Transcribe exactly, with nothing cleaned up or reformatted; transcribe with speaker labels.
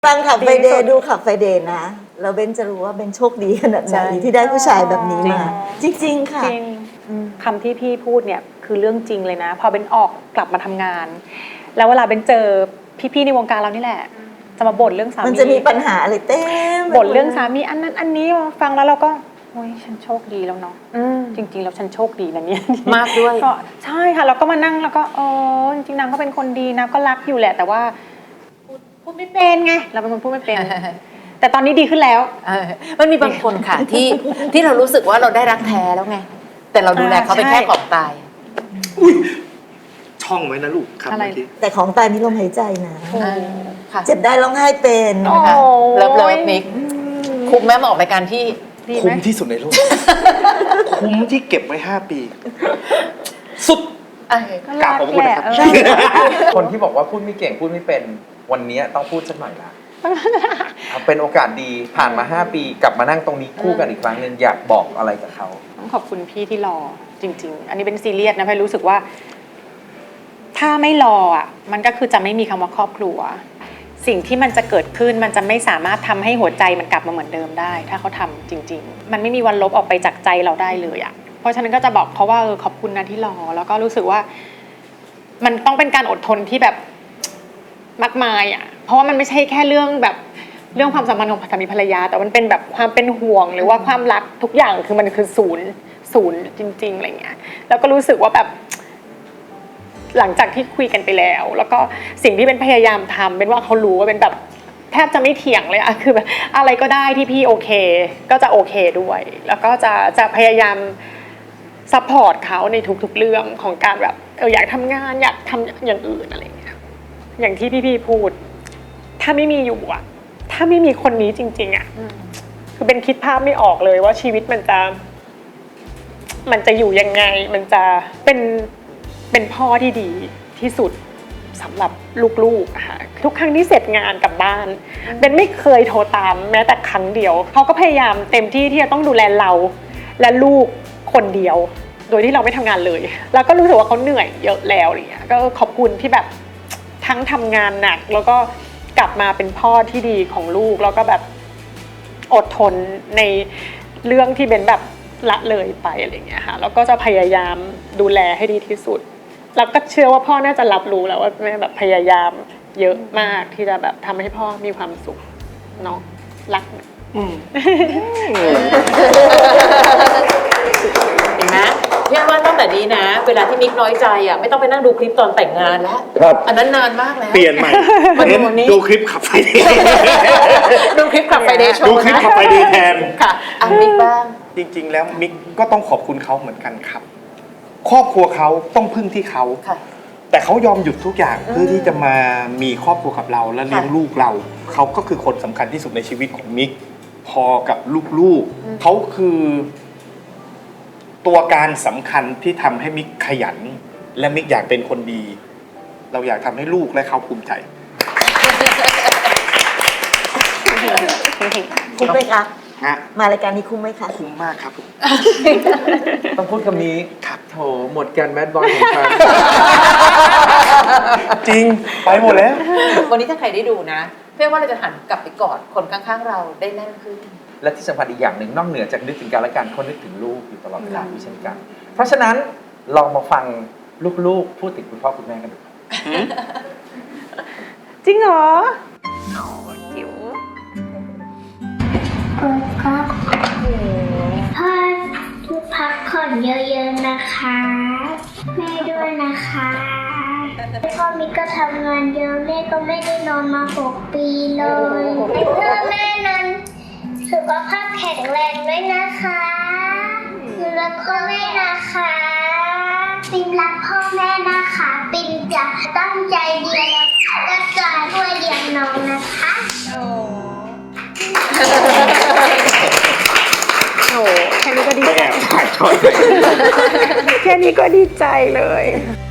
Speaker 1: ฟังขับไฟเดย์ดูขับไฟเดย์นะแล้วเบนจะรู้ว่าเบนโชคดีขนาดไหนที่ได้ผู้ชายแบบนี้มาจริงๆค่ะ
Speaker 2: คำที่พี่พูดเนี่ยคือเรื่องจริงเลยนะพอเบนออกกลับมาทำงานแล้วเวลาเบนเจอพี่ๆในวงการเรานี่แหละจะมาบ่นเรื่องสามี
Speaker 1: มันจะมีปัญหาอะไรเต็ม
Speaker 2: บ่นเรื่องสามีอันนั้นอันนี้ฟังแล้วเราก็โอ้ยฉันโชคดีแล้วเนาะจริงๆแล้วฉันโชคดีนะเนี่ย
Speaker 3: มากด้วย
Speaker 2: ก็ใช่ค่ะเราก็มานั่งแล้วก็เออจริงๆนางก็เป็นคนดีนะก็รักอยู่แหละแต่ว่าพูดพูดไม่เป็นไงเราเป็นคนพูดไม่เป็นแต่ตอนนี้ดีขึ้นแล้ว
Speaker 3: มันมีบางคนค่ะที่ที่เรารู้สึกว่าเราได้รักแท้แล้วไงแต่เราดูแลเขาเป็นแค่ของตาย
Speaker 4: ช่องไว้นะลูกครับเมื่อกี้
Speaker 1: แต่ของตายมีลมหายใจนะเจ็บได้ร้องไห้เป็น
Speaker 3: นะคะเลิฟเลิฟมิกคุ้มแม่มาออกรายการที่
Speaker 4: คุ้มที่สุดในโลกคุ้มที่เก็บไว้ห้าปีสุดกราบขอบคุณนะครับ
Speaker 5: คนที่บอกว่าพูดไม่เก่งพูดไม่เป็นวันนี้ต้องพูดสักหน่อยละเป็นโอกาสดีผ่านมาห้าปีกลับมานั่งตรงนี้คู่กันอีกครั้งนึงอยากบอกอะไรกับเขา
Speaker 2: ต้องขอบคุณพี่ที่รอจริงๆอันนี้เป็นซีเรียสนะพี่รู้สึกว่าถ้าไม่รออ่ะมันก็คือจะไม่มีคำว่าครอบครัวสิ่งที่มันจะเกิดขึ้นมันจะไม่สามารถทำให้หัวใจมันกลับมาเหมือนเดิมได้ถ้าเขาทำจริงๆมันไม่มีวันลบออกไปจากใจเราได้เลยอ่ะเพราะฉะนั้นก็จะบอกเขาว่าเออขอบคุณนะที่รอแล้วก็รู้สึกว่ามันต้องเป็นการอดทนที่แบบมากมายอ่ะเพราะว่ามันไม่ใช่แค่เรื่องแบบเรื่องความสัมพันธ์ของสามีภรรยาแต่มันเป็นแบบความเป็นห่วงหรือว่าความรักทุกอย่างคือมันคือศูนย์ศูนย์จริงๆอะไรเงี้ยแล้วก็รู้สึกว่าแบบหลังจากที่คุยกันไปแล้วแล้วก็สิ่งที่เป็นพยายามทำเป็นว่าเขารู้ว่าเป็นแบบแทบจะไม่เถียงเลยอะคือแบบอะไรก็ได้ที่พี่โอเคก็จะโอเคด้วยแล้วก็จะจะพยายามซัพพอร์ตเขาในทุกๆเรื่องของการแบบเอออยากทำงานอยากทำอย่างอื่นอะไรเงี้ยอย่างที่พี่ๆพูดถ้าไม่มีอยู่อะถ้าไม่มีคนนี้จริงๆอะคือเป็นคิดภาพไม่ออกเลยว่าชีวิตมันจะมันจะอยู่ยังไงมันจะเป็นเป็นพ่อที่ดีที่สุดสำหรับลูกๆค่ะทุกครั้งที่เสร็จงานกลับบ้านเบนไม่เคยโทรตามแม้แต่ครั้งเดียวเขาก็พยายามเต็มที่ที่จะต้องดูแลเราและลูกคนเดียวโดยที่เราไม่ทำงานเลยแล้วก็รู้สึกว่าเขาเหนื่อยเยอะแล้วอะไรเงี้ยก็ขอบคุณที่แบบทั้งทำงานหนักแล้วก็กลับมาเป็นพ่อที่ดีของลูกแล้วก็แบบอดทนในเรื่องที่เบนแบบละเลยไปอะไรเงี้ยค่ะแล้วก็จะพยายามดูแลให้ดีที่สุดแล้วก็เชื่อว่าพ่อน่าจะรับรู้แล้วว่าแม่แบบพยายามเยอะมากที่จะแบบทำให้พ่อมีความสุขเนาะรัก
Speaker 3: เห็นไหมพี่ว่าตั้งแต่นี้นะเวลาที่มิกน้อยใจอ่ะไม่ต้องไปนั่งดูคลิปตอนแต่งงานแล้วอันนั้นนานมากแล้ว
Speaker 4: เปลี่ยนใหม่ดูคลิปขับไฟเดย์
Speaker 3: ดูคลิปขับไฟเดย์โชว์
Speaker 4: ดูคลิปขับไฟเดย์แทน
Speaker 3: ค่ะอ่ะมิกบ้าง
Speaker 4: จริงๆแล้วมิกก็ต้องขอบคุณเขาเหมือนกันครับครอบครัวเขาต้องพึ่งที่เขาแต่เขายอมหยุดทุกอย่างเพื่อที่จะมามีครอบครัวกับเราและเลี้ยงลูกเราเขาก็คือคนสำคัญที่สุดในชีวิตของมิกพอกับลูกๆเขาคือตัวการสำคัญที่ทำให้มิกขยันและมิกอยากเป็นคนดีเราอยากทำให้ลูกและเขาภูมิใจ
Speaker 1: คุ้มไหมคะมารายการนี้คุ้มไหมคะ
Speaker 4: คุ้มมากครับ
Speaker 5: ต้องพูดคำนี้ครับโถหมดกันแมดบอยของฉัน
Speaker 4: จริงไปหมดแล้ว
Speaker 3: วันนี้ถ้าใครได้ดูนะเพื่อว่าเราจะหันกลับไปกอดคนข้างๆเราได้แน่นขึ้น
Speaker 5: และที่สำคัญอีกอย่างหนึ่งนอกเหนือจากนึกถึงกันและกันเขานึกถึงลูกอยู่ตลอดเวลาด้วยเช่นกันเพราะฉะนั้นลองมาฟังลูกๆพูดถึงคุณพ่อคุณแม่กันดู
Speaker 2: จริงเหรอจิ๋ว
Speaker 6: ครับพ่อพักผ่อนเยอะๆนะคะแม่ด้วยนะคะพ่อมิกก็ทำงานเยอะแม่ก็ไม่ได้นอนมาหกปีเลยเพื่อแม่นั้นสุขภาพแข็งแรงด้วยนะคะแล้วก็แม่นะคะปินรักพ่อแม่นะคะปินจะตั้งใจเรียนแล้วก็จะช่วยเลี้ยงน้องนะคะ
Speaker 2: โอ้แค่นี้ก็ดีใจแค่นี้ก็ดีใจเลย